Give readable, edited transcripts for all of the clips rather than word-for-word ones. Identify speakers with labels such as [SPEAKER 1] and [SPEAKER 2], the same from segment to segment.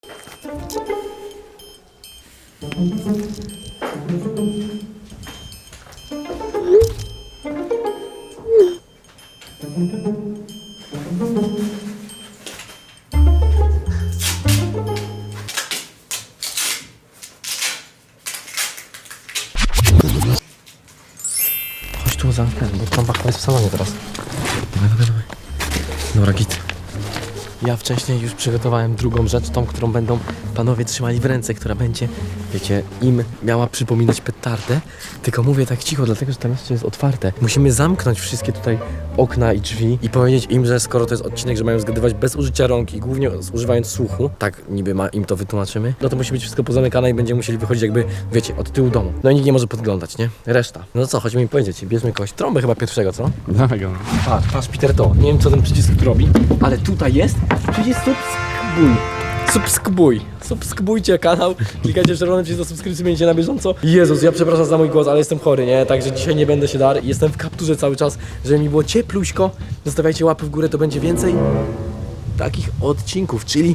[SPEAKER 1] Chodź tu zamknę, bo trąba chyba jest w salonie teraz. Dawaj. Dobra, git. Ja wcześniej już przygotowałem drugą rzecz, tą, którą będą panowie trzymali w ręce, która będzie, wiecie, im miała przypominać petardę. Tylko mówię tak cicho, dlatego że tam jeszcze jest otwarte. Musimy zamknąć wszystkie tutaj okna i drzwi i powiedzieć im, że skoro to jest odcinek, że mają zgadywać bez użycia rąk i głównie używając słuchu, tak niby im to wytłumaczymy, no to musi być wszystko pozamykane i będziemy musieli wychodzić jakby, wiecie, od tyłu domu. No i nikt nie może podglądać, nie? Reszta. No co, chodźmy im powiedzieć, bierzmy kogoś. Trąbę chyba pierwszego, co?
[SPEAKER 2] Dawaj go.
[SPEAKER 1] Patrz, Peter, to. Nie wiem, co ten przycisk tu robi, ale tutaj jest przycisk subskrybuj. Subskrybujcie kanał, klikajcie w czerwony przycisk do subskrypcji, będziecie na bieżąco. Jezus, ja przepraszam za mój głos, ale jestem chory, nie? Także dzisiaj nie będę się dar. Jestem w kapturze cały czas, żeby mi było ciepluśko. Zostawiajcie łapy w górę, to będzie więcej takich odcinków, czyli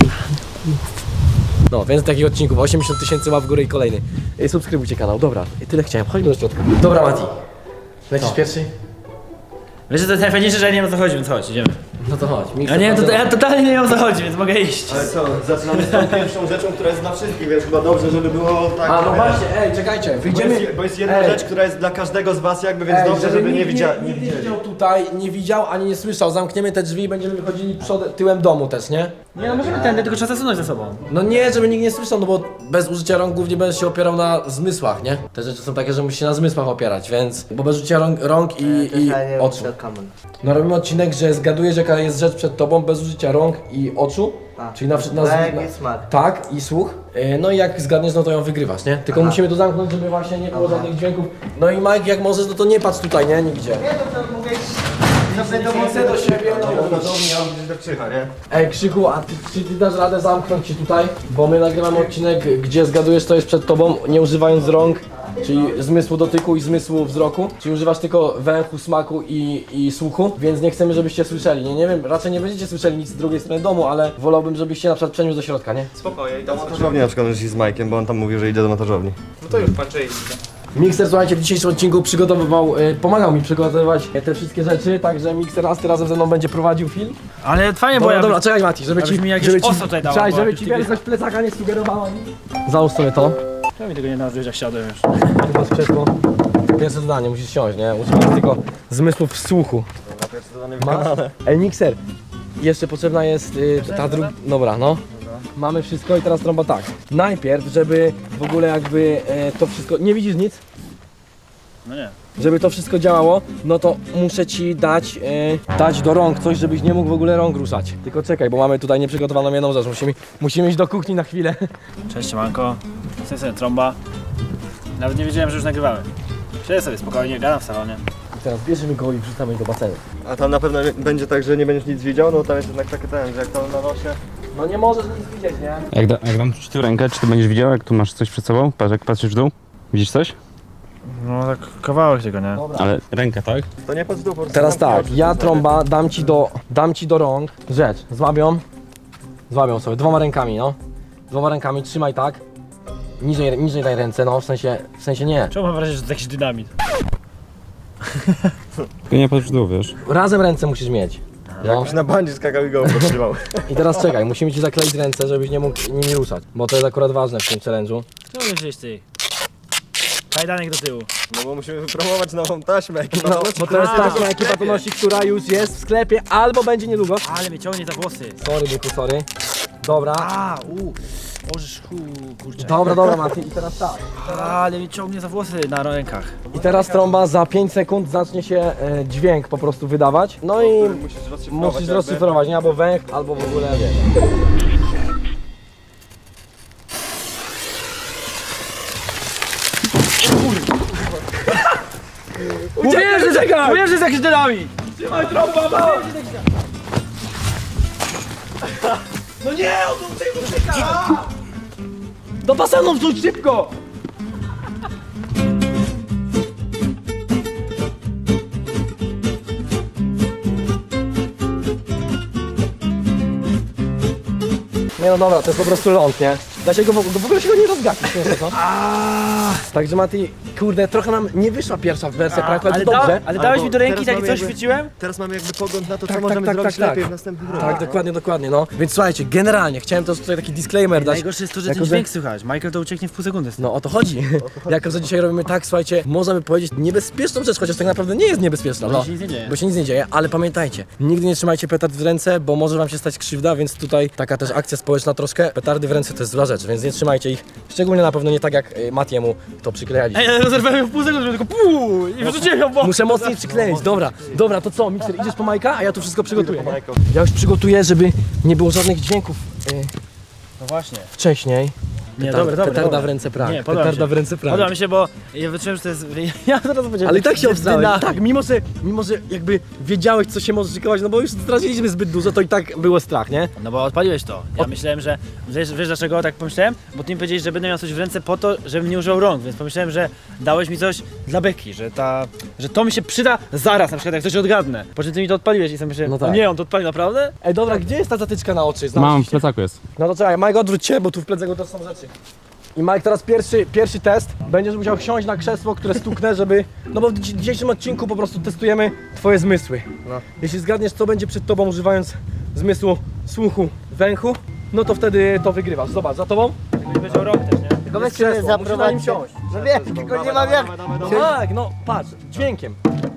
[SPEAKER 1] no, więcej takich odcinków, 80 000 łap w górę i kolejny. Subskrybujcie kanał, dobra, tyle chciałem, chodźmy do środka. Dobra, Mati, lecisz pierwszy?
[SPEAKER 3] Wiesz, że to jest najfajniejsze, że ja nie wiem o co chodzi, więc chodź, idziemy.
[SPEAKER 1] No to chodź.
[SPEAKER 3] Ja nie wiem, ja totalnie nie wiem o co chodzi, więc mogę iść.
[SPEAKER 4] Ale co, zaczynamy z tą pierwszą rzeczą, która jest dla wszystkich, więc chyba dobrze, żeby było tak...
[SPEAKER 1] A no właśnie, czekajcie, wyjdziemy.
[SPEAKER 4] Bo jest jedna rzecz, która jest dla każdego z was jakby, więc dobrze, żeby nie widzieli.
[SPEAKER 1] Nie widział tutaj, nie widział ani nie słyszał. Zamkniemy te drzwi i będziemy wychodzili tyłem domu też, nie?
[SPEAKER 3] Nie, no możemy tędy, tylko trzeba zasunąć za sobą.
[SPEAKER 1] No nie, żeby nikt nie słyszał, no bo bez użycia rąk głównie będę się opierał na zmysłach, nie? Te rzeczy są takie, że musisz się na zmysłach opierać, więc... Bo bez użycia rąk i oczu. No robimy odcinek, że zgadujesz jaka jest rzecz przed tobą bez użycia rąk i oczu. Czyli na przykład tak, i słuch. No i jak zgadniesz, no to ją wygrywasz, nie? Tylko musimy to zamknąć, żeby właśnie nie było żadnych dźwięków. No i Mike, jak możesz, no to nie patrz tutaj, nie? Nigdzie.
[SPEAKER 4] Nie, to mogę iść...
[SPEAKER 1] Chcę do siebie, no.
[SPEAKER 4] nie?
[SPEAKER 1] Ej, Krzyku, a czy ty dasz radę zamknąć się tutaj? Bo my nagrywamy odcinek, gdzie zgadujesz, co jest przed tobą, nie używając rąk, czyli zmysłu dotyku i zmysłu wzroku. Czyli używasz tylko węchu, smaku i słuchu, więc nie chcemy, żebyście słyszeli. Nie wiem, raczej nie będziecie słyszeli nic z drugiej strony domu, ale wolałbym, żebyście na przykład przeniósł do środka, nie?
[SPEAKER 4] Spokojnie, do montażowni na przykład z Majkiem, bo on tam mówił, że idzie do montażowni.
[SPEAKER 3] No to już patrzę i
[SPEAKER 1] Mikser, słuchajcie, w dzisiejszym odcinku przygotowywał, pomagał mi przygotowywać te wszystkie rzeczy, także Mikser razem ze mną będzie prowadził film.
[SPEAKER 3] Ale fajnie, bo ja...
[SPEAKER 1] Dobra, czekaj Mati, żeby
[SPEAKER 3] abyś
[SPEAKER 1] ci...
[SPEAKER 3] mi jakieś
[SPEAKER 1] żeby ci
[SPEAKER 3] oso tutaj dała,
[SPEAKER 1] czekaj,
[SPEAKER 3] bo
[SPEAKER 1] żeby
[SPEAKER 3] jak
[SPEAKER 1] ci
[SPEAKER 3] ty
[SPEAKER 1] wielkość plecaka nie sugerowała nic. Załóż sobie to.
[SPEAKER 3] Czemu mi tego nie nazwiesz, jak siadłem już?
[SPEAKER 1] Tu masz krzesło. Pierwsze zadanie, musisz siąść, nie? Używasz tylko zmysłów słuchu. Ej, Mikser, jeszcze potrzebna jest ta druga... Dobra, no. Mamy wszystko i teraz trąba tak. Najpierw, żeby w ogóle jakby to wszystko... Nie widzisz nic?
[SPEAKER 3] No nie.
[SPEAKER 1] Żeby to wszystko działało, no to muszę ci dać do rąk coś, żebyś nie mógł w ogóle rąk ruszać. Tylko czekaj, bo mamy tutaj nieprzygotowaną jedną rzecz. Musimy iść do kuchni na chwilę.
[SPEAKER 3] Cześć, manko. Jestem sobie trąba. Nawet nie wiedziałem, że już nagrywamy. Siedzę sobie spokojnie, gadam w salonie.
[SPEAKER 1] I teraz bierzemy go i wrzucamy do basenu.
[SPEAKER 4] A tam na pewno będzie tak, że nie będziesz nic widział, no tam jest jednak taki ten, że jak to na nosie...
[SPEAKER 1] No nie możesz nic widzieć, nie?
[SPEAKER 2] Jak dam ci tu rękę, czy ty będziesz widział, jak tu masz coś przed sobą? Patrz, jak patrzysz w dół? Widzisz coś?
[SPEAKER 3] No tak kawałek tego, nie?
[SPEAKER 1] Dobra.
[SPEAKER 2] Ale ręka, tak?
[SPEAKER 4] To nie patrz w dół, po prostu
[SPEAKER 1] Teraz
[SPEAKER 4] zamknij
[SPEAKER 1] tak,
[SPEAKER 4] oczy,
[SPEAKER 1] ja
[SPEAKER 4] to
[SPEAKER 1] trąba dam ci do rąk rzecz. Złabią sobie dwoma rękami, no. Dwoma rękami, trzymaj tak. Niżej daj ręce, no, w sensie nie.
[SPEAKER 3] Czemu mam wrażenie, że to jakiś dynamit?
[SPEAKER 2] Tylko nie patrz w dół, wiesz?
[SPEAKER 1] Razem ręce musisz mieć. No.
[SPEAKER 4] Jakbyś na bandzie skakał i go podtrzymał.
[SPEAKER 1] I teraz czekaj, musimy ci zakleić ręce, żebyś nie mógł nimi ruszać. Bo to jest akurat ważne w tym challenge'u.
[SPEAKER 3] Co myślisz ty? Kajdanek do tyłu.
[SPEAKER 4] No bo musimy wypromować nową taśmę.
[SPEAKER 1] No, bo to jest taśma ekipa to nosi, która już jest w sklepie albo będzie niedługo.
[SPEAKER 3] Ale mnie ciągnie za włosy.
[SPEAKER 1] Sorry, byku, sorry. Dobra.
[SPEAKER 3] Możesz, kurczę.
[SPEAKER 1] Dobra, Mati. I teraz tak.
[SPEAKER 3] Ale mnie ciągnie za włosy na rękach.
[SPEAKER 1] I teraz trąba za 5 sekund zacznie się dźwięk po prostu wydawać. No i musisz rozszyfrować, nie? Albo węch, albo w ogóle wiesz.
[SPEAKER 3] Mówiłem, że jest jakiś dynamit!
[SPEAKER 1] Trzymaj trąba, no! No nie, on tutaj ucieka! Do basenu wrzuć szybko! No Nie no dobra, to jest po prostu ląd, nie? Da się go w ogóle się go nie rozgapić, nie co? Także Mati, kurde, trochę nam nie wyszła pierwsza wersja pranku, ale to dobrze.
[SPEAKER 3] Ale dałeś mi do ręki,
[SPEAKER 4] Teraz
[SPEAKER 3] takie
[SPEAKER 4] mamy
[SPEAKER 3] coś
[SPEAKER 4] jakby-
[SPEAKER 3] chwyciłem?
[SPEAKER 4] Teraz mamy jakby pogląd na to, co
[SPEAKER 1] Tak,
[SPEAKER 4] możemy
[SPEAKER 1] tak,
[SPEAKER 4] zrobić
[SPEAKER 1] tak,
[SPEAKER 4] lepiej
[SPEAKER 1] tak.
[SPEAKER 4] w następnych rundach.
[SPEAKER 1] Tak, dokładnie, dokładnie, no. Więc słuchajcie, generalnie chciałem też tutaj taki disclaimer dać.
[SPEAKER 3] Najgorsze jest to, że
[SPEAKER 1] Jako,
[SPEAKER 3] ten
[SPEAKER 1] że-
[SPEAKER 3] dźwięk słychać. Michael to ucieknie w pół sekundy.
[SPEAKER 1] No o to chodzi. Jako, że dzisiaj robimy tak, słuchajcie, można by powiedzieć niebezpieczną rzecz, chociaż tak naprawdę nie jest niebezpieczna.
[SPEAKER 3] Bo się nic nie dzieje.
[SPEAKER 1] Bo się nic nie dzieje, ale pamiętajcie, nigdy nie trzymajcie petard w ręce, bo może wam się stać krzywda, więc tutaj taka też akcja społeczna troszkę. Petardy w ręce to jest zła rzecz, więc nie trzymajcie ich. Szczególnie na pewno nie tak jak Matiemu to przyklejaliśmy.
[SPEAKER 3] Ej, ale rozerwałem ją w pół sekundy, żeby tylko puu i wrzuciłem ją w bok.
[SPEAKER 1] Muszę mocniej przykleić, dobra, to co, Mikser, idziesz po Majka, a ja tu wszystko przygotuję. Nie? Ja już przygotuję, żeby nie było żadnych dźwięków
[SPEAKER 3] No właśnie.
[SPEAKER 1] wcześniej.
[SPEAKER 3] Nie, dobra.
[SPEAKER 1] Petarda w ręce prank.
[SPEAKER 3] Nie, podoba mi
[SPEAKER 1] Petarda
[SPEAKER 3] się.
[SPEAKER 1] w ręce prank.
[SPEAKER 3] Podoba mi się, bo ja wyczułem, że to jest... Ja teraz powiedziałem...
[SPEAKER 1] Ale i tak się obstałem.
[SPEAKER 3] Dyna-
[SPEAKER 1] Tak, mimo że jakby wiedziałeś, co się może szykować, no bo już straciliśmy zbyt dużo, to i tak było strach, nie?
[SPEAKER 3] No bo odpaliłeś to. Ja myślałem, że... Wiesz dlaczego tak pomyślałem? Bo ty mi powiedziałeś, że będę miał coś w ręce po to, żebym nie używał rąk, więc pomyślałem, że dałeś mi coś dla beki, że to mi się przyda zaraz, na przykład jak coś odgadnę. Po czym ty mi to odpaliłeś i sobie myślałem,
[SPEAKER 1] No tak.
[SPEAKER 3] o nie, on to odpalił naprawdę?
[SPEAKER 1] Ej, dobra, gdzie jest ta zatyczka na oczy?
[SPEAKER 2] Mam, w plecaku jest.
[SPEAKER 1] No to czekaj, Mike, odwróć się, bo tu w plecaku też są rzeczy. I Mike, teraz pierwszy test. Będziesz musiał siąść na krzesło, które stuknę, żeby... No bo w dzisiejszym odcinku po prostu testujemy twoje zmysły.
[SPEAKER 4] No.
[SPEAKER 1] Jeśli zgadniesz, co będzie przed tobą, używając zmysłu słuchu, węchu, no to wtedy to wygrywasz. Zobacz, za tobą.
[SPEAKER 3] Nie powiedział rąk też, nie?
[SPEAKER 5] Tylko weźcie
[SPEAKER 1] krzesło,
[SPEAKER 5] mnie
[SPEAKER 1] musisz na nim
[SPEAKER 5] zaprowadźcie.
[SPEAKER 1] siąść.
[SPEAKER 5] No wiem, tylko nie mam jak.
[SPEAKER 1] No tak, no patrz, dźwiękiem.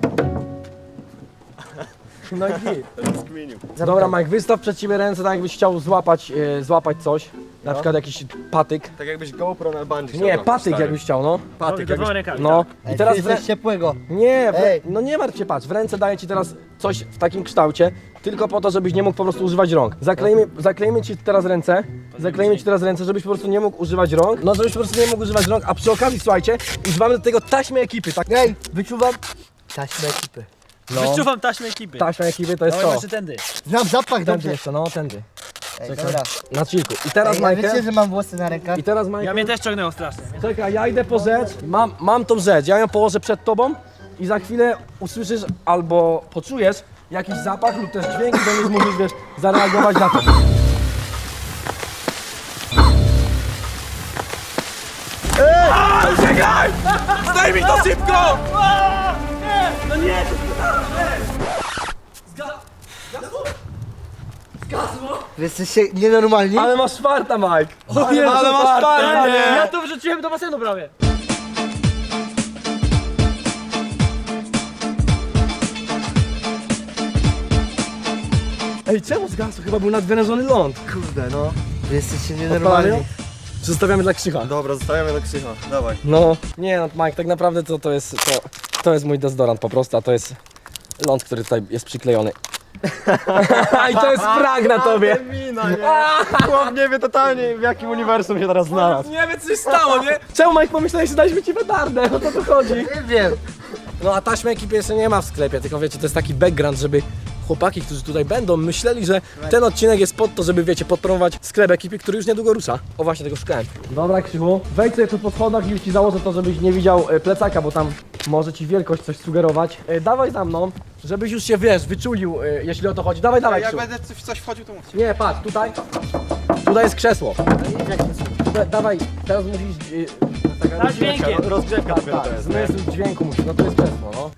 [SPEAKER 1] No i git. Dobra, Mike, wystaw przed ciebie ręce, tak jakbyś chciał złapać coś. Na przykład jakiś patyk.
[SPEAKER 4] Tak jakbyś GoPro na bungee
[SPEAKER 1] Nie, patyk jakbyś chciał, no.
[SPEAKER 3] Patyk, dwoma rękami,
[SPEAKER 1] No.
[SPEAKER 5] Ej,
[SPEAKER 1] I teraz
[SPEAKER 5] ty jesteś ciepłego.
[SPEAKER 1] Nie,
[SPEAKER 5] Ej.
[SPEAKER 1] no nie martw się, patrz, w ręce daję ci teraz coś w takim kształcie, tylko po to, żebyś nie mógł po prostu używać rąk. Zaklejmy ci teraz ręce, żebyś po prostu nie mógł używać rąk. No, żebyś po prostu nie mógł używać rąk, a przy okazji, słuchajcie, używamy do tego taśmy ekipy, tak?
[SPEAKER 5] Ej, wyczuwam taśmę ekipy.
[SPEAKER 1] No.
[SPEAKER 3] Wyczuwam taśmę ekipy.
[SPEAKER 1] Taśma ekipy to jest
[SPEAKER 3] No
[SPEAKER 1] to.
[SPEAKER 3] jeszcze tędy.
[SPEAKER 5] Znam zapach
[SPEAKER 1] Tędy
[SPEAKER 5] dobrze.
[SPEAKER 1] jeszcze, no, tędy.
[SPEAKER 5] Ej,
[SPEAKER 1] Czekaj.
[SPEAKER 5] dobra.
[SPEAKER 1] Na chillku. I teraz,
[SPEAKER 5] Ej, a wiecie,
[SPEAKER 1] Majkę,
[SPEAKER 5] że mam włosy na rękach?
[SPEAKER 1] i teraz,
[SPEAKER 3] Ja
[SPEAKER 1] Majkę,
[SPEAKER 3] mnie też ciągnęło strasznie.
[SPEAKER 1] czekaj, ja idę po rzecz, mam tą rzecz, ja ją położę przed tobą i za chwilę usłyszysz albo poczujesz jakiś zapach lub też dźwięk i będziesz mógł, wiesz, zareagować na to. Ej! Uciekaj! Zdejmij to szybko! No nie!
[SPEAKER 5] Wy jesteście nienormalni?
[SPEAKER 1] Ale masz farta, Mike! O
[SPEAKER 3] ale masz farta,
[SPEAKER 1] nie!
[SPEAKER 3] Ja to wrzuciłem do basenu prawie.
[SPEAKER 1] Ej, czemu zgasł? Chyba był nadwyrężony ląd.
[SPEAKER 5] Kurde, no. Wy jesteście
[SPEAKER 1] Odpalamy
[SPEAKER 5] nienormalni.
[SPEAKER 1] ją? Zostawiamy dla Krzycha.
[SPEAKER 4] Dobra, zostawiamy do Krzycha. Dawaj.
[SPEAKER 1] No, nie no, Mike, tak naprawdę to jest mój dezodorant po prostu, a to jest ląd, który tutaj jest przyklejony. I to jest prank na tobie!
[SPEAKER 4] Mina, nie? Chłop nie wie totalnie, w jakim uniwersum się teraz znalazł.
[SPEAKER 1] Nie wiem, co się stało, nie? Czemu, Mike, pomyślałeś, że daliśmy ci petardę? O to tu chodzi.
[SPEAKER 5] Nie wiem.
[SPEAKER 1] No a taśmy ekipy jeszcze nie ma w sklepie, tylko wiecie, to jest taki background, żeby chłopaki, którzy tutaj będą, myśleli, że ten odcinek jest pod to, żeby wiecie, podpromować sklep ekipy, który już niedługo rusza. O właśnie, tego szukałem. Dobra, Krzychu, wejdź sobie tu po schodach i już ci założę to, żebyś nie widział plecaka, bo tam może ci wielkość coś sugerować. Dawaj za mną, żebyś już się, wiesz, wyczulił, jeśli o to chodzi. Dawaj, Krzychu.
[SPEAKER 4] będę w coś wchodził, to mówcie.
[SPEAKER 1] Nie, patrz, tutaj. Tutaj jest krzesło. Dawaj, teraz musisz...
[SPEAKER 3] Na dźwiękiem.
[SPEAKER 4] Rozgrzewka dopiero to
[SPEAKER 1] Tak,
[SPEAKER 4] jest, nie?
[SPEAKER 1] zmysł dźwięku musi, no to jest krzesło, no.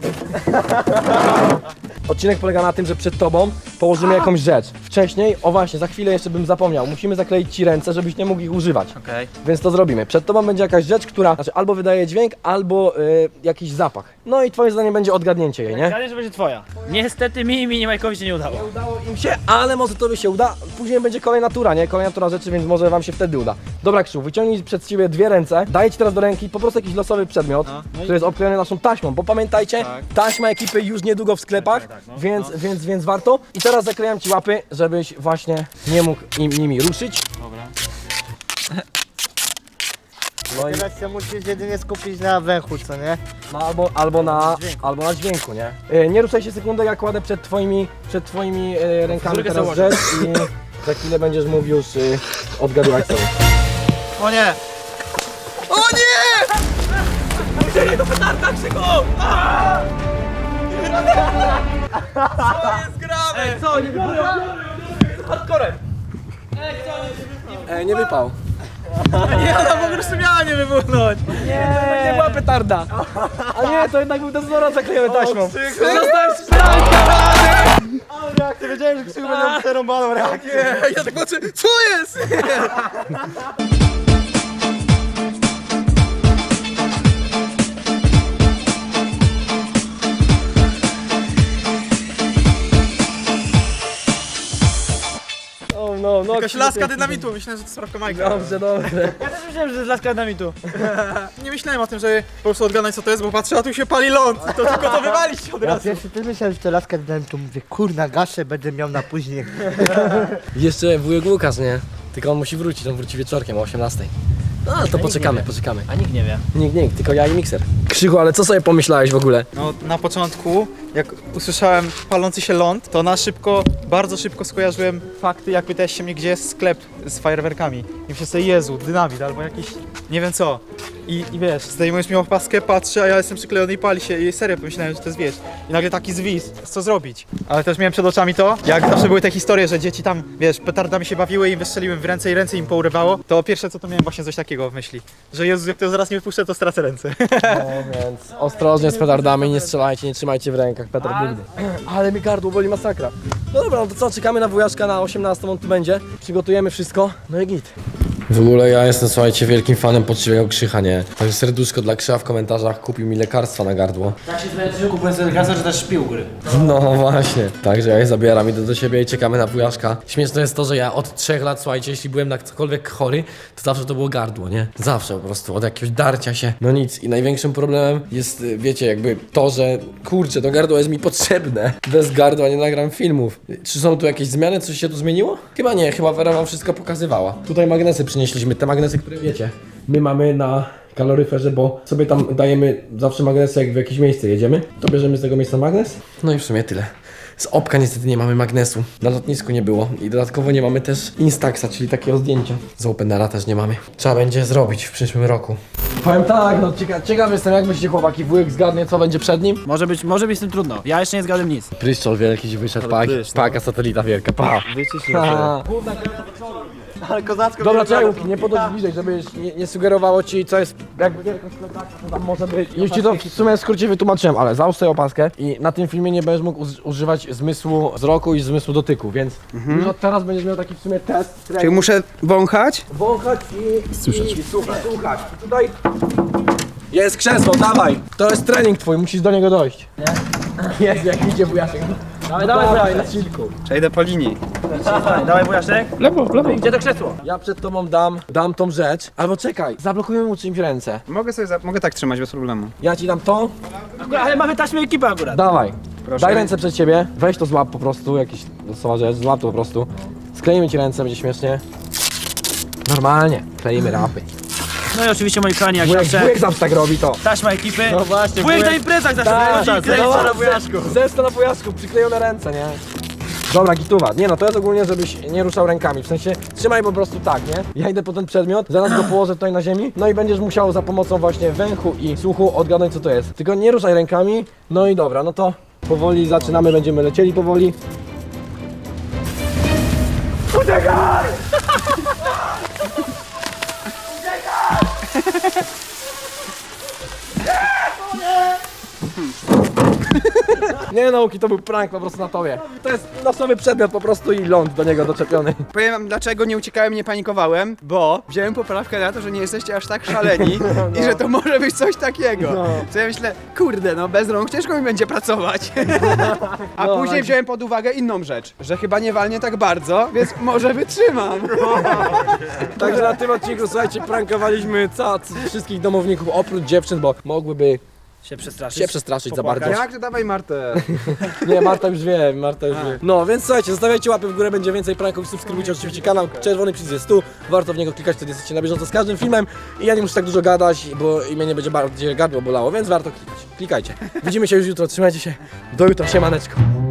[SPEAKER 1] Odcinek polega na tym, że przed tobą położymy jakąś rzecz. Wcześniej, o właśnie, za chwilę jeszcze bym zapomniał, musimy zakleić ci ręce, żebyś nie mógł ich używać.
[SPEAKER 3] Okej.
[SPEAKER 1] Więc to zrobimy. Przed tobą będzie jakaś rzecz, która znaczy albo wydaje dźwięk, albo jakiś zapach. No i twoim zdaniem będzie odgadnięcie jej, nie?
[SPEAKER 3] Zgadnę, że będzie twoja. Niestety mi i Majkowi się nie udało.
[SPEAKER 1] Nie udało im się, ale może tobie się uda. Później będzie kolejna tura, nie? Kolejna tura rzeczy, więc może wam się wtedy uda. Dobra, Krzysztof, wyciągnij przed siebie dwie ręce. Daję ci teraz do ręki po prostu jakiś losowy przedmiot, który jest obklejony naszą taśmą, bo pamiętajcie, taśma ekipy już niedługo w sklepach, więc warto. I teraz zaklejam ci łapy, żebyś właśnie nie mógł nimi ruszyć.
[SPEAKER 3] Dobra.
[SPEAKER 1] No i
[SPEAKER 5] Teraz się musisz jedynie skupić na węchu, co nie?
[SPEAKER 1] no, albo na dźwięku, nie? Nie ruszaj się sekundę, ja kładę przed twoimi rękami
[SPEAKER 3] Fryzurkę
[SPEAKER 1] teraz
[SPEAKER 3] założę.
[SPEAKER 1] rzecz i za chwilę będziesz mógł już odgadywać sobie.
[SPEAKER 5] O nie!
[SPEAKER 3] Ej, co? Nie biorę, hardcorem.
[SPEAKER 1] Nie wypał.
[SPEAKER 3] Nie, ona po prostu miała nie wybuchnąć.
[SPEAKER 1] Nie była petarda. A nie, to jednak był dezodorant zaklejony taśmą.
[SPEAKER 3] Zostałeś spranka!
[SPEAKER 4] Ty wiedziałem, że Krzychu będzie miał przerąbaną reakcję.
[SPEAKER 3] Ja tak patrzę, co jest?
[SPEAKER 1] No,
[SPEAKER 6] Jakaś laska dynamitu, myślałem, że to sprawka Majka.
[SPEAKER 1] Dobrze.
[SPEAKER 3] Ja też myślałem, że to jest laska dynamitu.
[SPEAKER 6] Nie myślałem o tym, żeby po prostu odgadnąć co to jest, bo patrzę, a tu się pali ląd. To tylko to wywalić od
[SPEAKER 5] Ja
[SPEAKER 6] razu.
[SPEAKER 5] pierwszy też myślałem, że to laska dałem, to mówię, kurna, gaszę, będę miał na później.
[SPEAKER 1] Jeszcze wujek Łukasz, nie? Tylko on musi wrócić, on wróci wieczorkiem o 18. No, to poczekamy.
[SPEAKER 3] A nikt nie wie.
[SPEAKER 1] Nikt, tylko ja i mikser. Krzychu, ale co sobie pomyślałeś w ogóle?
[SPEAKER 6] No na początku, jak usłyszałem palący się ląd, to na szybko, bardzo szybko skojarzyłem fakty, jak pytałeś się mnie, gdzie jest sklep z fajerwerkami. I myślę sobie, Jezu, dynamit albo jakiś, nie wiem co. I wiesz, zdejmujesz mi opaskę, patrzę, a ja jestem przyklejony i pali się i serio pomyślałem, że to jest wiesz. I nagle taki zwis, co zrobić? Ale też miałem przed oczami to, jak zawsze były te historie, że dzieci tam, wiesz, petardami się bawiły i im wystrzeliłem w ręce i ręce im pourywało, to pierwsze co to miałem właśnie coś takiego w myśli. Że Jezu, jak to zaraz nie wypuszczę, to stracę ręce.
[SPEAKER 1] No więc ostrożnie z petardami, nie strzelajcie, nie trzymajcie w rękach petard nigdy. Ale mi gardło boli masakra. No dobra, no to co, czekamy na wujaszka na 18, on tu będzie. Przygotujemy wszystko, no i git. W ogóle ja jestem, słuchajcie, wielkim fanem poczciwego Krzycha, nie? Także serduszko dla Krzycha w komentarzach, kupił mi lekarstwa na gardło.
[SPEAKER 3] Tak się zmęczył, kupując sobie lekarstwo, czy też śpi u góry.
[SPEAKER 1] No właśnie. Także ja je zabieram, idę do siebie i czekamy na wujaszka. Śmieszne jest to, że ja od 3 lat, słuchajcie, jeśli byłem na cokolwiek chory, to zawsze to było gardło, nie? Zawsze po prostu, od jakiegoś darcia się. No nic. I największym problemem jest, wiecie, jakby to, że kurczę, to gardło jest mi potrzebne. Bez gardła nie nagram filmów. Czy są tu jakieś zmiany? Coś się tu zmieniło? Chyba nie, chyba Wera wam wszystko pokazywała. Tutaj magnesy przynieśliśmy, te magnesy, które wiecie. My mamy na kaloryferze, bo sobie tam dajemy zawsze magnesy, jak w jakieś miejsce jedziemy, to bierzemy z tego miejsca magnes. No i w sumie tyle. Z Opka niestety nie mamy magnesu, na lotnisku nie było i dodatkowo nie mamy też Instaxa, czyli takiego zdjęcia. Z Openera też nie mamy. Trzeba będzie zrobić w przyszłym roku. Powiem tak, no ciekaw jestem, jak myślicie, chłopaki, wujek zgadnie, co będzie przed nim?
[SPEAKER 3] Może być z tym trudno. Ja jeszcze nie zgadłem nic.
[SPEAKER 1] Pryszczol wielki ci wyszedł, paka satelita wielka, pa.
[SPEAKER 4] Ale kozacko.
[SPEAKER 1] Dobra, czekaj, Łuki, nie podchodź bliżej, żeby nie sugerowało ci, co jest jakby wielkość plecaka, co tam może być. Już ci to w sumie w skrócie wytłumaczyłem, ale załóż sobie opaskę i na tym filmie nie będziesz mógł używać zmysłu wzroku i zmysłu dotyku, więc już od teraz będziesz miał taki w sumie test.
[SPEAKER 6] Czyli muszę wąchać?
[SPEAKER 1] Wąchać i słuchać. I tutaj jest krzesło, dawaj. To jest trening twój, musisz do niego dojść. Nie? Jest, jak idzie wujaszek. Dawaj, na chillku.
[SPEAKER 6] Przejdę po linii.
[SPEAKER 3] Dawaj wujaszek.
[SPEAKER 2] Lewo.
[SPEAKER 3] Gdzie to krzesło?
[SPEAKER 1] Ja przed tobą dam tą rzecz, albo czekaj, zablokujemy mu czymś ręce.
[SPEAKER 6] Mogę tak trzymać bez problemu.
[SPEAKER 1] Ja ci dam to,
[SPEAKER 3] Ale mamy taśmę ekipy akurat.
[SPEAKER 1] dawaj.
[SPEAKER 6] Proszę.
[SPEAKER 1] Daj ręce przed siebie, weź to złap po prostu, jakieś losowa rzecz, złap to po prostu. Skleimy ci ręce, będzie śmiesznie. Normalnie, kleimy rapy.
[SPEAKER 3] No i oczywiście moi kochani, jak zawsze
[SPEAKER 1] Wujek zawsze tak robi to.
[SPEAKER 3] taśma ekipy.
[SPEAKER 1] No właśnie,
[SPEAKER 3] Wujek na imprezach zawsze wychodzi i kręci na wujaszku.
[SPEAKER 1] Zesto na wujaszku, przyklejone ręce, nie? Dobra, gituwa. Nie no, to jest ogólnie, żebyś nie ruszał rękami. W sensie, trzymaj po prostu tak, nie? Ja idę po ten przedmiot, zaraz go położę tutaj na ziemi, no i będziesz musiał za pomocą właśnie węchu i słuchu odgadnąć, co to jest. Tylko nie ruszaj rękami, no i dobra, no to powoli zaczynamy, będziemy lecieli powoli. Uciekaj! Nie nauki, to był prank po prostu na tobie. To jest losowy przedmiot po prostu i ląd do niego doczepiony.
[SPEAKER 7] Powiem wam, dlaczego nie uciekałem, nie panikowałem, bo wziąłem poprawkę na to, że nie jesteście aż tak szaleni i że to może być coś takiego. Co ja myślę, kurde, no bez rąk ciężko mi będzie pracować. A później wziąłem pod uwagę inną rzecz, że chyba nie walnie tak bardzo, więc może wytrzymam.
[SPEAKER 1] Także na tym odcinku, słuchajcie, prankowaliśmy wszystkich domowników oprócz dziewczyn, bo mogłyby
[SPEAKER 3] Się przestraszyć.
[SPEAKER 1] się przestraszyć za bardzo.
[SPEAKER 7] Jak to dawaj Martę?
[SPEAKER 1] Nie, Marta już wie. No więc słuchajcie, zostawiajcie łapy w górę, będzie więcej pranków, subskrybujcie oczywiście kanał, czerwony przycisk jest tu, warto w niego klikać, wtedy jesteście na bieżąco z każdym filmem i ja nie muszę tak dużo gadać, bo i mnie nie będzie bardziej gardło bolało, więc warto klikać. Klikajcie. Widzimy się już jutro, trzymajcie się, do jutra, siemaneczko.